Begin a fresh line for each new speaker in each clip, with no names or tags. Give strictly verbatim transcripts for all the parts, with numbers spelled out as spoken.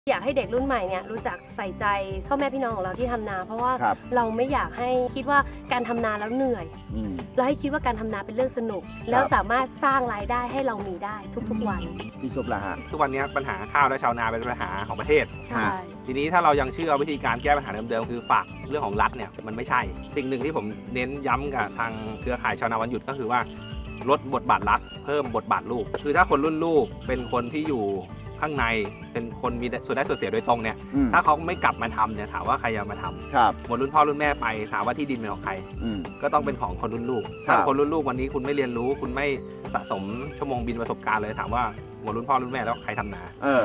อยากให้เด็กรุ่นใหม่เนี่ยรู้จักใส่ใจพ่อแม่พี่น้องของเราที่ทำนาเพราะว่าเราไม่อยากให้คิดว่าการทำนาแล้วเหนื่อยเราให้คิดว่าการทำนาเป็นเรื่องสนุกแล้วสามารถสร้างรายได้ให้เรามีได้ทุกๆวัน
พี่ซุปล่ะฮะ
ทุกวันนี้ปัญหาข้าวและชาวนาเป็นปัญหาของประเทศ
ใช่
ทีนี้ถ้าเรายังเชื่อวิธีการแก้ปัญหาเดิมๆคือฝากเรื่องของรัฐเนี่ยมันไม่ใช่สิ่งหนึ่งที่ผมเน้นย้ำกับทางเครือข่ายชาวนาวันหยุดก็คือว่าลดบทบาทรัฐเพิ่มบทบาทลูกคือถ้าคนรุ่นลูกเป็นคนที่อยู่ข้างในเป็นคนมีส่วนได้ส่วนเสียโดยตรงเนี่ยถ้าเขาไม่กลับมาทำเนี่ยถามว่าใครจะมาทำหมดรุ่นพ่อรุ่นแม่ไปถามว่าที่ดินเป็นของใครก็ต้องเป็นของคนรุ่นลูกถ้าคนรุ่นลูกวันนี้คุณไม่เรียนรู้คุณไม่สะสมชั่วโมงบินประสบการณ์เลยถามว่าหมดรุ่นพ่อรุ่นแม่แล้วใครทำนา
เออ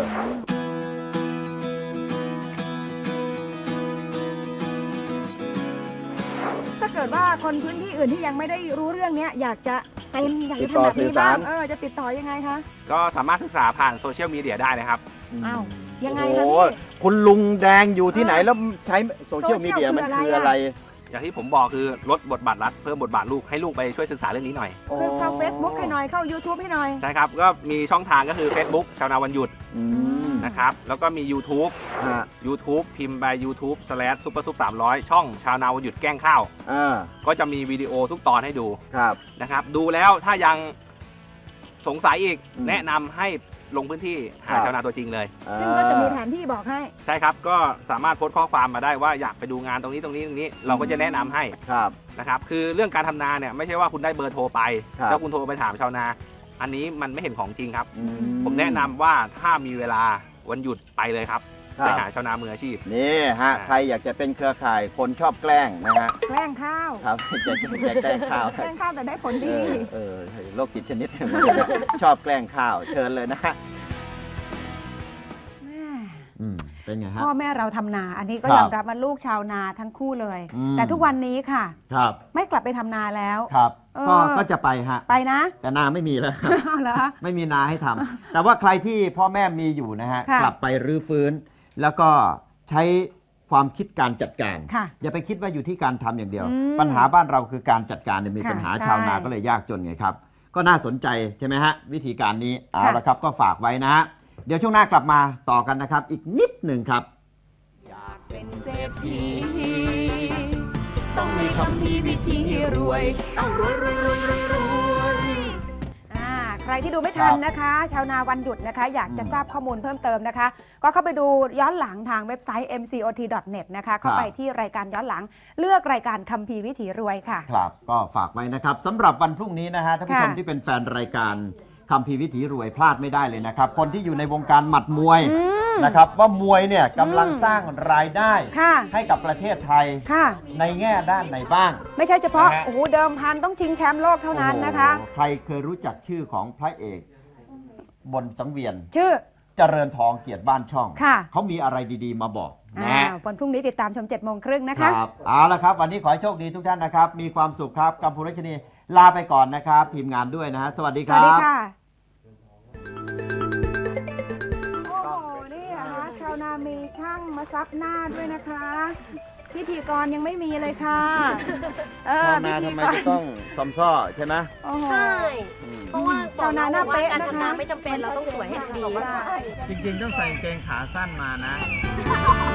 ถ้าเกิดว่าคนพื้นที่อื่นที่ยังไม่ได้รู้เรื่องนี้อยากจะเป็นอยากจะทำแบบนี้บ้างเออจะติดต่อยังไงคะ
ก็สามารถศึกษาผ่านโซเชียลมีเดียได้นะครับ
อ้าวยังไงคะพี่
คุณลุงแดงอยู่ที่ไหนแล้วใช้โซเชียลมีเดียมันคืออะไร
อย่างที่ผมบอกคือลดบทบาทรัฐเพิ่มบทบาทลูกให้ลูกไปช่วยศึกษาเรื่องนี้หน่อย
คือเข้า Facebook ให้หน่อยเข้า YouTube ให้หน่อย
ใช่ครับก็มีช่องทางก็คือ Facebook ชาวนาวันหยุดนะครับแล้วก็มี YouTube YouTube พิมพ์ไป YouTube slash super sup สามร้อยช่องชาวนาวันหยุดแกล้งข้าวก็จะมีวิดีโอทุกตอนให้ดูนะครับดูแล้วถ้ายังสงสัยอีกแนะนำให้ลงพื้นที่หาชาวนาตัวจริงเลย
ซึ่งก็จะมีแผนที่บอกให้
ใช่ครับก็สามารถโพสต์ข้อความมาได้ว่าอยากไปดูงานตรงนี้ตรงนี้ตรงนี้เราก็จะแนะนำให้นะครับคือเรื่องการทำนาเนี่ยไม่ใช่ว่าคุณได้เบอร์โทรไปแล้วคุณโทรไปถามชาวนาอันนี้มันไม่เห็นของจริงครับผมแนะนำว่าถ้ามีเวลาวันหยุดไปเลยครับไปหาชาวนามืออาชีพ
นี่ฮะใครอยากจะเป็นเครือข่ายคนชอบแกล้งนะฮะ
แกล้งข้าว
ครับจะจะแกล้งข้าว
แกล้งข้าวแต่ได้ผลดี
เออโรคจิตชนิดชอบแกล้งข้าวเชิญเลยนะฮะเป็นไงฮะ
พ่อแม่เราทำนาอันนี้ก็ยอมรับว่าลูกชาวนาทั้งคู่เลยแต่ทุกวันนี้ค่ะ
ครับ
ไม่กลับไปทำนาแล้ว
ครับก็ก็จะไปฮะ
ไปนะ
แต่นาไม่มีแล้วไม่มีนาให้ทำแต่ว่าใครที่พ่อแม่มีอยู่นะฮะกลับไปรื้อฟื้นแล้วก็ใช้ความคิดการจัดการอย่าไปคิดว่าอยู่ที่การทำอย่างเดียวปัญหาบ้านเราคือการจัดการเนี่ยมีปัญหาชาวนาก็เลยยากจนไงครับก็น่าสนใจใช่ไหมฮะวิธีการนี้เอาละครับก็ฝากไว้นะฮะเดี๋ยวช่วงหน้ากลับมาต่อกันนะครับอีกนิดหนึ่งครับอยากเป็นเศรษฐี
ต้องมีคำพีวิธีรวยต้องรวยรวยรวยรวยรวยใครที่ดูไม่ทันนะคะชาวนาวันหยุดนะคะอยากจะทราบข้อมูลเพิ่มเติมนะคะก็เข้าไปดูย้อนหลังทางเว็บไซต์ เอ็ม ซี โอ ที ดอท เน็ต นะคะเข้าไปที่รายการย้อนหลังเลือกรายการคัมภีร์วิถีรวยค่ะ
ครับก็ฝากไว้นะครับสำหรับวันพรุ่งนี้นะฮะท่านผู้ชมที่เป็นแฟนรายการคัมภีร์วิถีรวยพลาดไม่ได้เลยนะครับคนที่อยู่ในวงการหมัดมวยนะครับว่ามวยเนี่ยกำลังสร้างรายได้ให้กับประเทศไทยในแง่ด้านไหนบ้าง
ไม่ใช่เฉพาะโอ้โหเดิมพันต้องชิงแชมป์โลกเท่านั้นนะคะ
ใครเคยรู้จักชื่อของพระเอกบนสังเวียน
ชื่อ
เจริญทองเกียรติบ้านช่องเขามีอะไรดีๆมาบอกนะ
วันพรุ่งนี้ติดตามชมเจ็ดโมงครึ่งนะคะ
ครับเอาละครับวันนี้ขอให้โชคดีทุกท่านนะครับมีความสุขครับกัมพูรัชนีลาไปก่อนนะครับทีมงานด้วยนะฮะสวัสดีครับ
สวัสดีค่ะโอ้โหนี่นะคะชาวนามีช่างมาซับหน้าด้วยนะคะพิธีกรยังไม่มีเลยค่ะ
ชาวนาทำไมจะต้องซอมซ้อใช่ไหม
ใช่เพราะว่าชาวนาหน้าเป๊ะการทำนาไม่จำเป็นเราต้องสวยให้ดี
จริงๆต้องใส่กางเกงขาสั้นมานะ